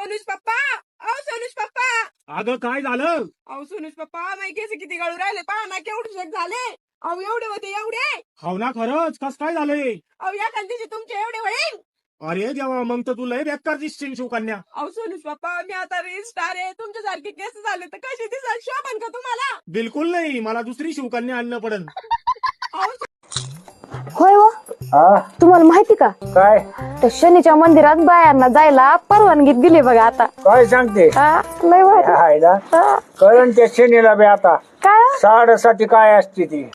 सोनूज पप्पा, अहो सोनूज पप्पा. अगं काय झालं? अहो सोनूज पप्पा, माझे केस किती गळू राहिले पहा ना, केवढे शेक झाले. अहो एवढे होते एवढे. हो ना, खरंच कस काय झालंय? अहो या खालतीचे तुमचे एवढे होईल. अरे देवा, मग तर तुला बेकार दिसशील शिवकन्या. अहो सोनूज पप्पा, मी आता रील स्टार आहे, तुमच्यासारखे केस झाले तर कशी दिसाल, शोभन का तुम्हाला? बिलकुल नाही, मला दुसरी शिवकन्या आणणं पडन. अहो होय हो, तुम्हाला माहिती का काय त्या शनीच्या मंदिरात बायांना जायला परवानगी दिली बघा आता. काय सांगते हा, लय भारी. हायला हा, कळण त्या शनीला बी आता काय साडेसाठी काय असते ती.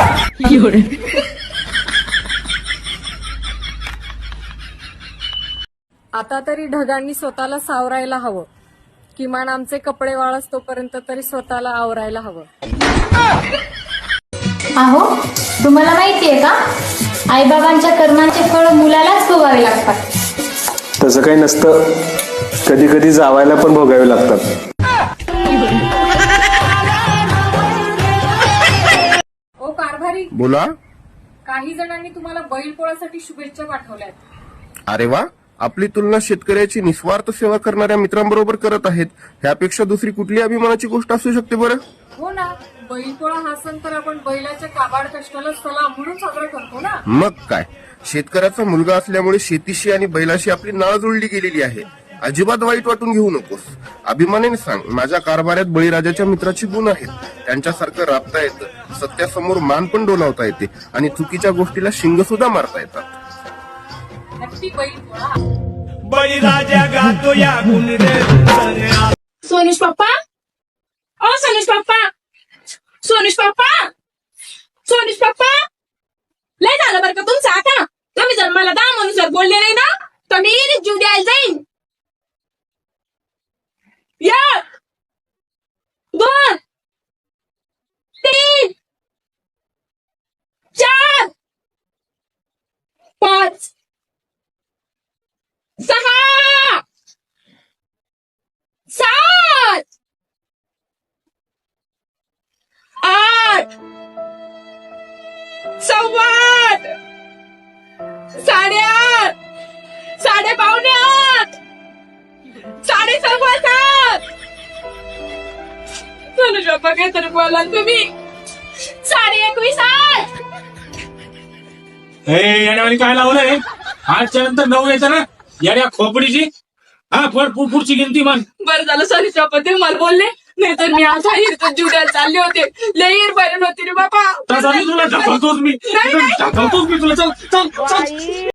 आता तरी ढगांनी स्वतःला सावरायला हवं. किमान आमचे कपडे वाळस तोपर्यंत तरी स्वतःला आवरायला हवं. अहो तुम्हाला माहितीये का आईबाबांच्या कर्मांचे फळ मुलालाच भोगावे लागतात. तसं काही नसतं, कधी कधी जावायला पण भोगावे लागतात. ओ कारभारी, बोला. काही जणांनी तुम्हाला बैलपोळ्यासाठी शुभेच्छा पाठवल्यात. अरे वा, आपली तुलना शेतकऱ्याची निस्वार्थ सेवा करणाऱ्या मित्रांबरोबर करत आहेत. ह्यापेक्षा दुसरी कुठली अभिमानाची गोष्ट असू शकते बरं? हो ना, बैलपोळा हा सण तर आपण बैलाच्या काबाड कष्टाला सलाम म्हणून साजरा करतो ना. मग काय, शेतकऱ्याचा मुलगा असल्यामुळे शेतीशी आणि बैलाशी आपली नाळ जुळली गेलेली आहे. अजिबात वाईट वाटून घेऊ नकोस. अभिमानाने सांग, माझ्या कारभारात बळीराजाच्या मित्राची गुण आहेत. त्यांच्यासारखं राबता येतं, सत्यासमोर मान पण डोलावता येते आणि चुकीच्या गोष्टीला शिंग सुद्धा मारता येतात. हॅपी बैलपोळा. बळीराजा गातो या सोनूज पप्पा, अहो सोनूज पप्पा, सोनूज पप्पा, सोनूज पप्पा, लय झालं बरं का तुमचं आता. तुम्ही जर मला दहा म्हणून जर बोलले नाही ना तर मी जीव द्यायला जाईन. 1 2 3 4 5 6 7 8 9:15 8:30 8:45 7:15 सोनूज पप्पा काहीतरी बोला तुम्ही. 21:30 हे येण्यावानी काय लावलंय? 8च्या नंतर 9 यायचं ना, येण्या खोपडीची. हा, पुढची गिनती म्हण. बरं झालं सोनूज पप्पा ते मला बोलले, नाही तर मी आज जीव द्यायला चालले होते. लई बरं होती रे बाबा. तुला ढकलतोच मी, तुला. चल चल चल.